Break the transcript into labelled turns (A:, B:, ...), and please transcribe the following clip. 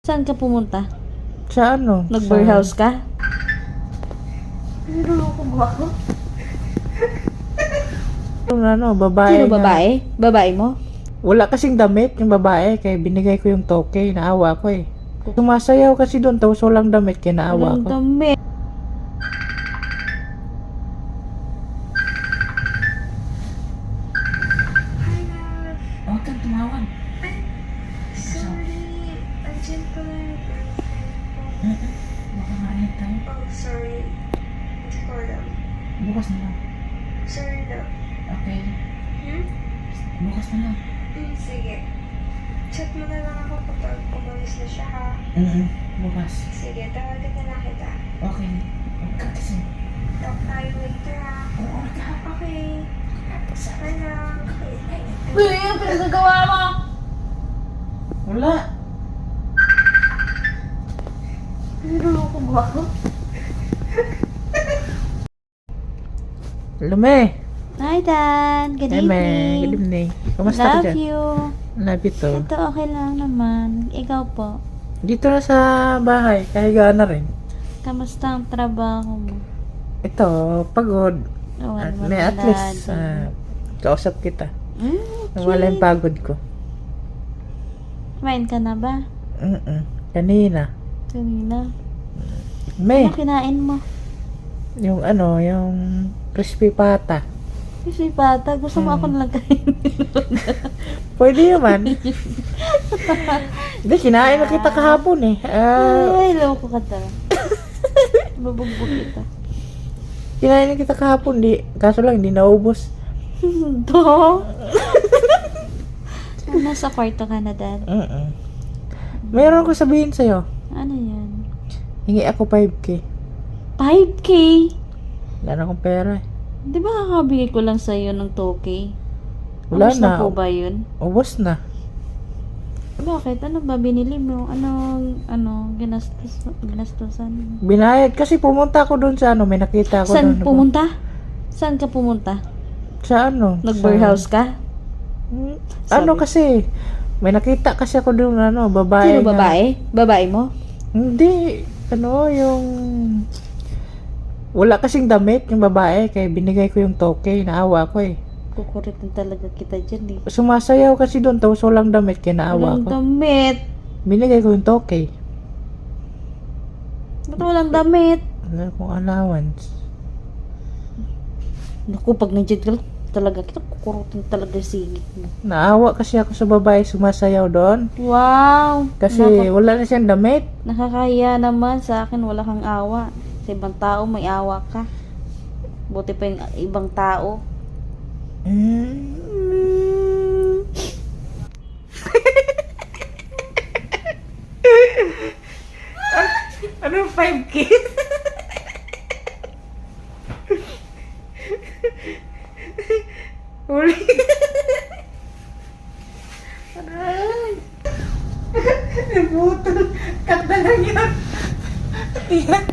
A: Saan ka pumunta?
B: Sa ano?
A: Nag-warehouse ka?
B: Niloloko mo ako? Yung ano, babae
A: Sino
B: nga.
A: babae? Babae mo?
B: Wala kasing damit yung babae, kaya binigay ko yung toke, naawa ko eh. Sumasayaw kasi doon, tapos walang damit, kaya naawa
A: Walang
B: ko.
A: damit.
B: Huwag kang tumawag.
C: Sorry, andyan pala yung girlfriend ko.
B: Baka maalit tayo.
C: Oh, sorry. Hindi ko alam.
B: Bukas na lang.
C: Sorry na.
B: Okay.
C: Hmm?
B: Bukas na lang.
C: Sige. Chat mo na lang ako kapag umalis na siya, ha?
B: Bukas.
C: Sige, tawagan na lang kita.
B: Okay. Huwag ka kasi.
C: Talk tayo later, ha?
B: Oo, ka.
C: Okay. Bye na.
A: Uy, ano pinagagawa mo?
B: Wala.
A: Niloloko mo ako?
B: Lume.
A: Hi, Dan. Good
B: Good
A: evening.
B: evening. Kamusta ka
A: Love
B: dyan?
A: you.
B: Love you too.
A: Ito okay lang naman. Ikaw po.
B: Dito na sa bahay, kahiga na rin.
A: Kamusta ang trabaho mo?
B: Ito, pagod.
A: Oh,
B: At
A: ano
B: may
A: ba
B: at least,
A: natin?
B: kausap kita.
A: Okay.
B: Nawala yung pagod ko.
A: Kumain ka na ba?
B: Kanina.
A: Kanina.
B: May,
A: Ano kinain mo?
B: yung ano, yung crispy pata.
A: Kasi pata, gusto mo ako nalang kainin.
B: Pwede naman. Hindi, kinain na kita kahapon eh.
A: Ay, loko ka talaga. Babugbog kita.
B: Kinain na kita kahapon, kaso lang, hindi naubos.
A: Do? Nasa kwarto ka na, Dad.
B: Mayroon ko sabihin sa'yo.
A: Ano yan?
B: Hingi ako 5K.
A: 5K?
B: Wala na akong pera eh.
A: Di ba kakabigay ko lang sa'yo ng 2K?
B: Wala
A: Ubus
B: na.
A: po ba yun?
B: Ubos na.
A: Bakit? Ano ba binili mo? Ginastusan?
B: Binayad kasi pumunta ako doon sa ano, may nakita ako
A: Saan
B: doon.
A: pumunta? Saan ka pumunta?
B: Sa ano?
A: Nag-warehouse ka?
B: Ano
A: Sabi.
B: kasi, may nakita kasi ako doon ano, babae.
A: Sino
B: nga.
A: babae? Babae mo?
B: Hindi, ano, yung wala kasing damit yung babae, kaya binigay ko yung toke, naawa ko eh.
A: Kukuritin talaga kita dyan eh.
B: Sumasayaw kasi doon, tapos walang damit, kaya naawa
A: Walang
B: ko.
A: damit.
B: Binigay ko yung toke.
A: Ba't walang damit?
B: Wala akong allowance.
A: Naku, pag nandiyan ka lang, talaga kita kukurutin talaga sigit mo.
B: Naawa kasi ako sa babae sumasayaw doon.
A: Wow!
B: Kasi wala na siyang damit.
A: Nakakaya naman sa akin, wala kang awa. Sa ibang tao, may awa ka. Buti pa yung ibang tao.
B: Ano 5K? Uli. Aray. Nabutol. Cut na lang yan. Yan.